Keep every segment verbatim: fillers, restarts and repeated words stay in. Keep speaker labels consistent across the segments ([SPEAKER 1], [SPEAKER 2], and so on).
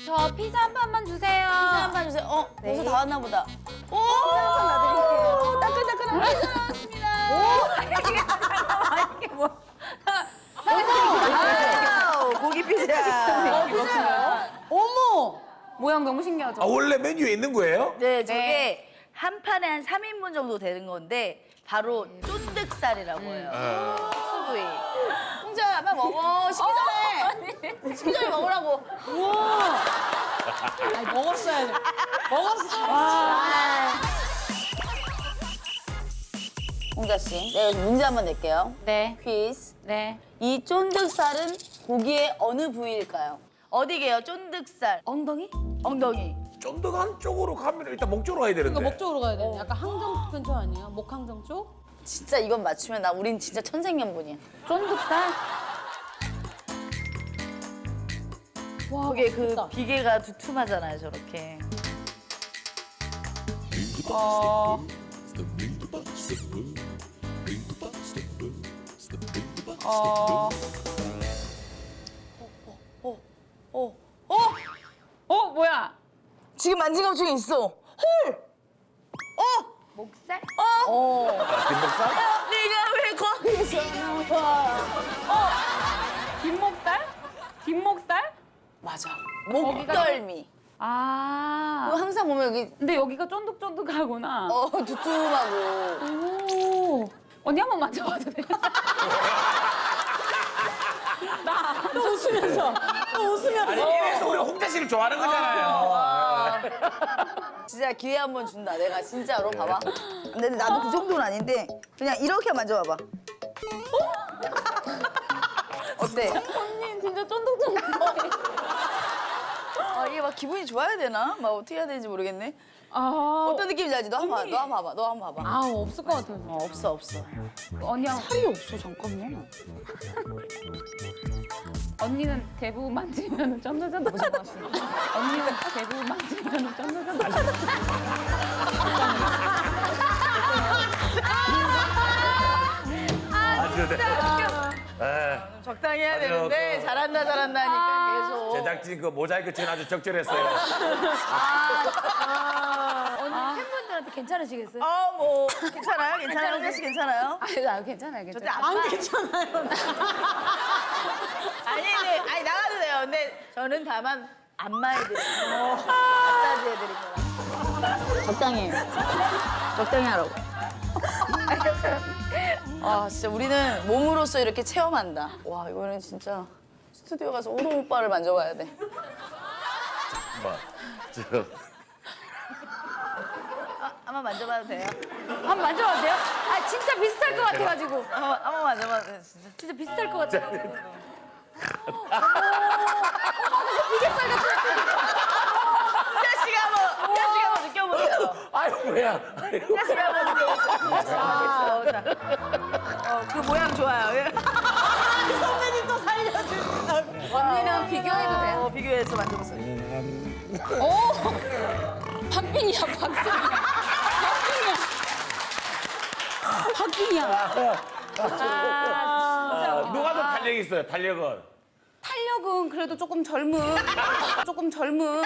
[SPEAKER 1] 저 피자 한 판만 주세요.
[SPEAKER 2] 피자 한 판 주세요. 어, 벌써 다 왔나 보다. 오!
[SPEAKER 1] 한 판 놔드릴게요.
[SPEAKER 2] 따끈따끈한 피자 나왔습니다.
[SPEAKER 1] 이게 뭐?
[SPEAKER 2] 와우, 고기 피자.
[SPEAKER 1] 피자요? 어머! 모양 너무 신기하죠?
[SPEAKER 3] 아, 원래 메뉴에 있는 거예요?
[SPEAKER 2] 네, 저게
[SPEAKER 1] 네.
[SPEAKER 2] 한 판에 한 삼 인분 정도 되는 건데 바로 쫀득살이라고 해요. 수부위. 홍자, 빨리 먹어. 식기 전에. 식기 전에 먹으라고.
[SPEAKER 1] 우와! 아니, 먹었어야죠. 먹었어. 와.
[SPEAKER 2] 홍자 씨, 내가 여기서 문제 한번 낼게요.
[SPEAKER 1] 네.
[SPEAKER 2] 퀴즈.
[SPEAKER 1] 네.
[SPEAKER 2] 이 쫀득살은 고기의 어느 부위일까요? 어디게요? 쫀득살.
[SPEAKER 1] 엉덩이?
[SPEAKER 2] 엉덩이.
[SPEAKER 3] 쫀득한 쪽으로 가면 일단 목 쪽으로 가야 되는데.
[SPEAKER 4] 그러니까 목 쪽으로 가야 돼. 약간 항정 근처 아니에요? 목 항정 쪽?
[SPEAKER 2] 진짜 이건 맞추면 나 우린 진짜 천생연분이야.
[SPEAKER 1] 쫀득살?
[SPEAKER 4] 와,
[SPEAKER 2] 그게 그
[SPEAKER 4] 맛있다.
[SPEAKER 2] 비계가 두툼하잖아요, 저렇게.
[SPEAKER 1] 어. 어.
[SPEAKER 2] 어, 어, 어!
[SPEAKER 1] 어, 뭐야?
[SPEAKER 2] 지금 만진 것 중에 있어. 헐! 어!
[SPEAKER 1] 목살?
[SPEAKER 2] 어!
[SPEAKER 3] 아, 뒷목살?
[SPEAKER 2] 네가 왜 거기서 나와?
[SPEAKER 1] 뒷목살? 뒷목살?
[SPEAKER 2] 맞아. 목덜미.
[SPEAKER 1] 아.
[SPEAKER 2] 그거 항상 보면 여기
[SPEAKER 1] 근데 여기가 쫀득쫀득하구나.
[SPEAKER 2] 어 두툼하고.
[SPEAKER 1] 오. 언니 한 번 만져봐도 돼요? 나.
[SPEAKER 4] 또 웃으면서. 또 웃으면서.
[SPEAKER 3] 아니, 이래서 우리 홍자 씨를 좋아하는 거잖아요.
[SPEAKER 2] 진짜 기회 한 번 준다. 내가 진짜로 봐봐. 근데 나도 그 정도는 아닌데 그냥 이렇게 만져봐봐. 어때?
[SPEAKER 1] 언니 진짜 쫀득쫀득해.
[SPEAKER 2] 아 이게 막 기분이 좋아야 되나? 막 어떻게 해야 되는지 모르겠네.
[SPEAKER 1] 아.
[SPEAKER 2] 어떤 느낌인지 알지? 너 한번 봐. 너 한번 봐봐. 너 한번 봐봐.
[SPEAKER 4] 아, 없을 것 같아요.
[SPEAKER 2] 어 없어 없어.
[SPEAKER 1] 언니랑
[SPEAKER 2] 살이 없어 잠깐만.
[SPEAKER 1] 언니는 대부분 만지면 쫀득쫀득하다. 언니는 대부분 만지면 쫀득쫀득하다.
[SPEAKER 3] 아주 네. 에,
[SPEAKER 2] 적당히 해야
[SPEAKER 3] 아니요,
[SPEAKER 2] 되는데
[SPEAKER 3] 그-
[SPEAKER 2] 잘한다 잘한다 하니까 계속.
[SPEAKER 3] 제작진 그 모자이크 친 아주 적절했어요.
[SPEAKER 1] 언니 팬분들한테 괜찮으시겠어요?
[SPEAKER 2] 어뭐 괜찮아요? 괜찮아요? 홍자 씨 괜찮아요?
[SPEAKER 1] 아, 아 괜찮아요,
[SPEAKER 2] 저때
[SPEAKER 1] 괜찮아요.
[SPEAKER 2] 안 괜찮아요. 아니, 네, 아니 나가도 돼요. 근데 저는 다만 안마해드리고 마사지 해드린 거라. 적당히, 적당히 하라고. 아 진짜 우리는 몸으로써 이렇게 체험한다. 와 이거는 진짜 스튜디오 가서 우동 오빠를 만져봐야 돼.
[SPEAKER 3] 뭐, 저,
[SPEAKER 2] 아, 한번 만져봐도 돼요?
[SPEAKER 1] 한번 만져봐도 돼요? 아, 진짜 비슷할 것 같아가지고.
[SPEAKER 2] 한번 한번 만져봐도 돼요 진짜.
[SPEAKER 1] 진짜 비슷할 것 같아.
[SPEAKER 2] 희자 씨가 한번 희자 씨가 한번 느껴보세요.
[SPEAKER 3] 아유 뭐야. 아유.
[SPEAKER 2] 희자 씨가 한번 느껴보세요. 아, 자. 어, 그 모양 좋아요. 예.
[SPEAKER 4] 선배님 또 살려주신다고.
[SPEAKER 1] 언니랑 비교해도 돼요?
[SPEAKER 2] 어, 비교해서 만져보세요.
[SPEAKER 4] 오! 박빙이야, 박빙이야. 박빙이야. 박빙이야.
[SPEAKER 3] 아, 누가 더 탄력이 있어요? 탄력은.
[SPEAKER 1] 탄력은 그래도 조금 젊은, 조금 젊은.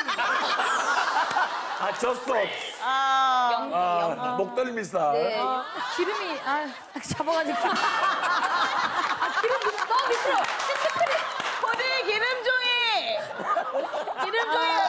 [SPEAKER 3] 아 졌어.
[SPEAKER 2] 아,
[SPEAKER 3] 아, 목덜미살.
[SPEAKER 2] 네.
[SPEAKER 1] 기름이, 아, 잡아가지고. 아, 기름 너무 미끄러.
[SPEAKER 2] 어디 기름종이? 기름종이가